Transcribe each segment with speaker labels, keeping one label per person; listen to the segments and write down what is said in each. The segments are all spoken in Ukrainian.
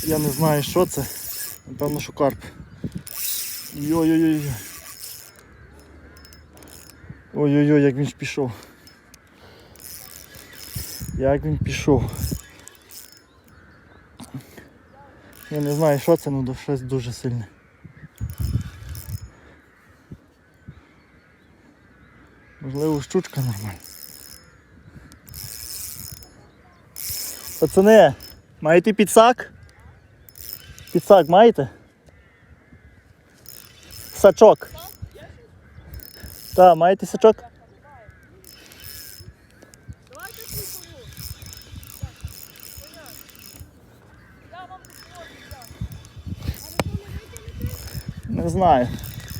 Speaker 1: Я не знаю, що це. Напевно, що карп. Ой-ой-ой. Ой-ой-ой, як він ж пішов. Як він пішов. Я не знаю, що це, але щось дуже сильне. Можливо, щучка нормальна. Пацани, маєте підсак? Підсак маєте? Сачок. Так, маєте сачок? Не знаю.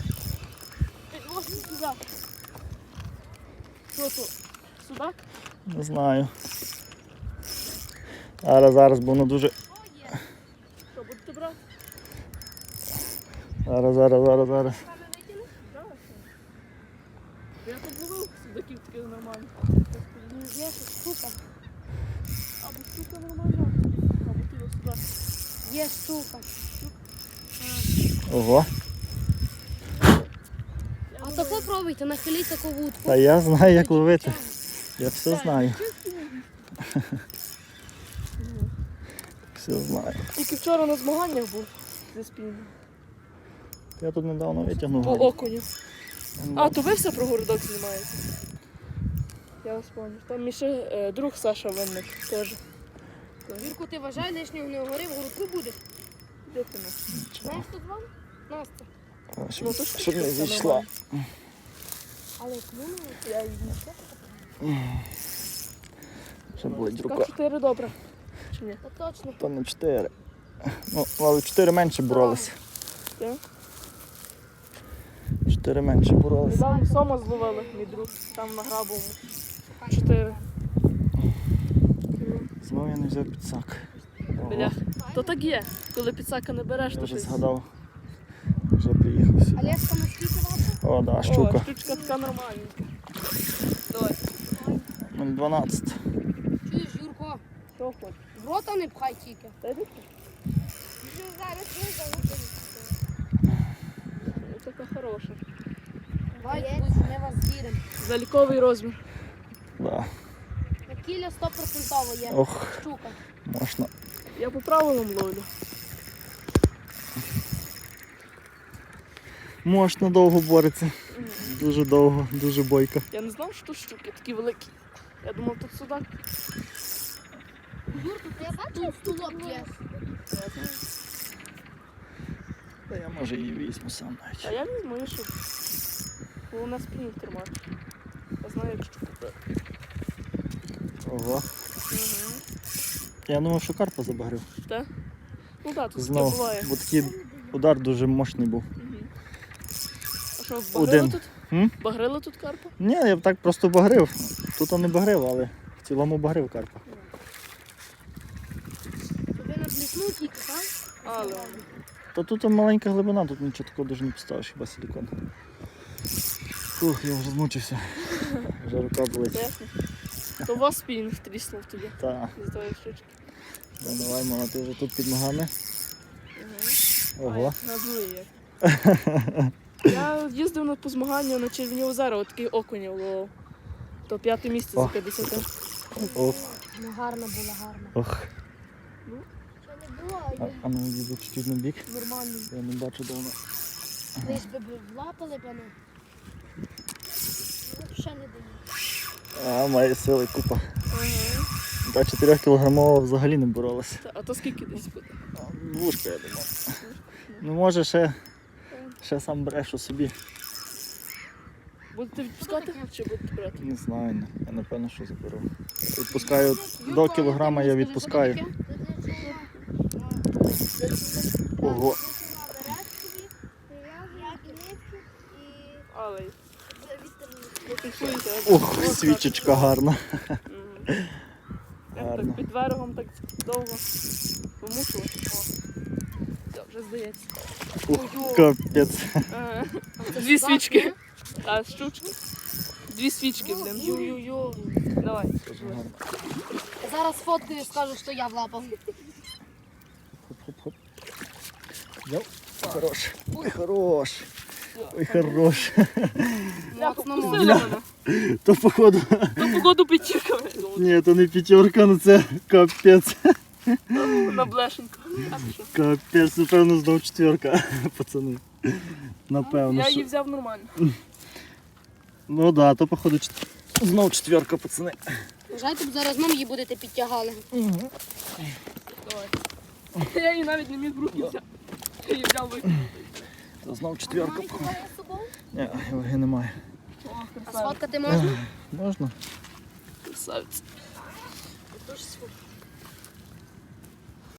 Speaker 2: Що тут? Судак?
Speaker 1: Не знаю. Зараз, бо воно дуже...
Speaker 2: Що, будете брати?
Speaker 1: Зараз.
Speaker 2: Я тут ловив судаків таких нормально. Є штука. Або штука нормальна, або ти його судак. Є штука.
Speaker 1: Ого.
Speaker 3: А то попробуйте, нахиліть таку вудку.
Speaker 1: Та я знаю, як ловити. Я все знаю. Все знаю.
Speaker 2: Тільки вчора на змаганнях був зі спільним.
Speaker 1: Я тут недавно витягнув.
Speaker 2: По окуню. А, то ви все про городок знімаєте? Я вас пам'ятаю. Там мій ще друг Саша Винник теж.
Speaker 3: Вірку, ти вважай, лишнього не говори, в городку будеш.
Speaker 2: Де ти нас?
Speaker 3: Знаєш, хто звав? Настя.
Speaker 2: Ну, то ж
Speaker 1: Щоб не
Speaker 2: штука
Speaker 1: зійшла.
Speaker 2: нормальна.
Speaker 3: Але кому не?
Speaker 2: Я її знайшла.
Speaker 1: Ще болить рука.
Speaker 2: Так, 4 добре. Чи ні?
Speaker 3: Та точно.
Speaker 1: То не 4. Ну, але 4 менше боролися.
Speaker 2: Так.
Speaker 1: 4 менше боролися.
Speaker 2: Недавно сома зловили, мій друг, там на Грабовому. 4.
Speaker 1: Знову я не взяв підсак. Ого,
Speaker 2: Бля. То так є. Коли підсака не береш,
Speaker 1: я
Speaker 2: то
Speaker 1: вже
Speaker 2: щось.
Speaker 1: згадав. Вже приїхав сюди.
Speaker 3: Олешка, наскільки ваша?
Speaker 1: О, да,
Speaker 2: О,
Speaker 1: щука.
Speaker 2: штучка така нормальненька. Давай.
Speaker 1: 0,12.
Speaker 3: Чуєш, Юрко,
Speaker 2: Що хочеш?
Speaker 3: в рота не пхай тільки.
Speaker 2: Та йди ти. Ось така хороша.
Speaker 3: Давай, ми вас віримо.
Speaker 2: Заліковий розмір.
Speaker 1: Да.
Speaker 3: На кіля 100% є.
Speaker 1: Ох,
Speaker 3: Щука.
Speaker 1: можна.
Speaker 2: Я по правилам ловлю.
Speaker 1: Можна довго бореться. Дуже довго, дуже бойко.
Speaker 2: Я не знав, що тут щуки такі великі. Я думав, тут судак.
Speaker 3: Юрко, ти бачив, стулок є?
Speaker 2: Я знаю.
Speaker 1: Та я може її візьму сам навіть.
Speaker 2: А я візьму і що. Головне спінінг тримати. Я знаю, як щуку брати.
Speaker 1: Ого.
Speaker 2: Угу.
Speaker 1: Я думав, що карпа забагрив.
Speaker 2: Так? Ну так, тут таке
Speaker 1: Знову.
Speaker 2: буває.
Speaker 1: Бо такий удар дуже мощний був.
Speaker 2: Угу. А що, багрили
Speaker 1: Один.
Speaker 2: тут?
Speaker 1: М?
Speaker 2: Багрили тут карпа?
Speaker 1: Ні, я б так просто багрив. Тут не багрив, але в цілому багрив карпа.
Speaker 3: Тобі на блісну тільки, так?
Speaker 2: Але.
Speaker 1: Та тут маленька глибина, тут нічого такого дуже не поставиш, хіба силікон. Фух, я вже змучився. Вже рука болить.
Speaker 2: Ясно. То у вас спінінг тріснув тоді.
Speaker 1: Та,
Speaker 2: З тої штучки.
Speaker 1: давай, мама, ти вже тут під ногами. Ого.
Speaker 2: Надує як. Я їздив на по змагання на Червні озера, отакий окунів ловив. То 5-те місце за
Speaker 1: Ох.
Speaker 2: 50.
Speaker 1: Ох,
Speaker 3: Ну гарно було, гарно.
Speaker 1: ох.
Speaker 3: Що не було,
Speaker 1: А ну їду чуть-чуть на бік.
Speaker 2: Нормально.
Speaker 1: Я не бачу давно.
Speaker 3: лиш би влапали мене. Ну, ще не даю.
Speaker 1: А, має сили купа.
Speaker 2: Ага.
Speaker 1: Та 4 кілограмова взагалі не боролася.
Speaker 2: А то скільки десь буде?
Speaker 1: Двушка, я думав. Ну може ще сам брешу собі.
Speaker 2: Будете відпускати чи будете брати?
Speaker 1: Не знаю, я напевно, що заберу. Відпускаю до кілограма, я відпускаю. Ого.
Speaker 2: Але. Ну, фіксуйте.
Speaker 1: Ох, свічечка гарна.
Speaker 2: Як
Speaker 1: Гарно.
Speaker 2: так під берегом так довго помушувати. О, все, вже здається.
Speaker 1: Ух, капець.
Speaker 2: Ага. Дві свічки. А, щучки? Дві свічки, блин. Ю-ю-ю. Давай.
Speaker 1: Дуже гарно.
Speaker 3: Зараз фоткаю і скажу, що я влапав.
Speaker 1: Хоп-хоп-хоп. Взяв. Хорош. Ой, хорош. Ой, хорош.
Speaker 3: Моцно
Speaker 2: Пустили
Speaker 3: можна.
Speaker 2: мене.
Speaker 1: То походу.
Speaker 2: То погоду п'ятірка.
Speaker 1: Ні, то не п'ятерка, ну це капець.
Speaker 2: На блешеньку. А ти що?
Speaker 1: Капець, напевно, знов четверка, пацани. Напевно.
Speaker 2: Я
Speaker 1: що.
Speaker 2: її взяв нормально.
Speaker 1: Ну да, то походу знов четверка, пацани.
Speaker 3: Вважайте, б зараз нам її будете підтягали.
Speaker 2: Давай. Я її навіть не міг в руки взяти. Я її взяв викинув.
Speaker 1: То знов четверка. Ні, ваги немає.
Speaker 2: О,
Speaker 3: А
Speaker 2: красавець.
Speaker 3: сфоткати можна?
Speaker 1: Можна?
Speaker 2: Красавець.
Speaker 3: Тож сфоткати.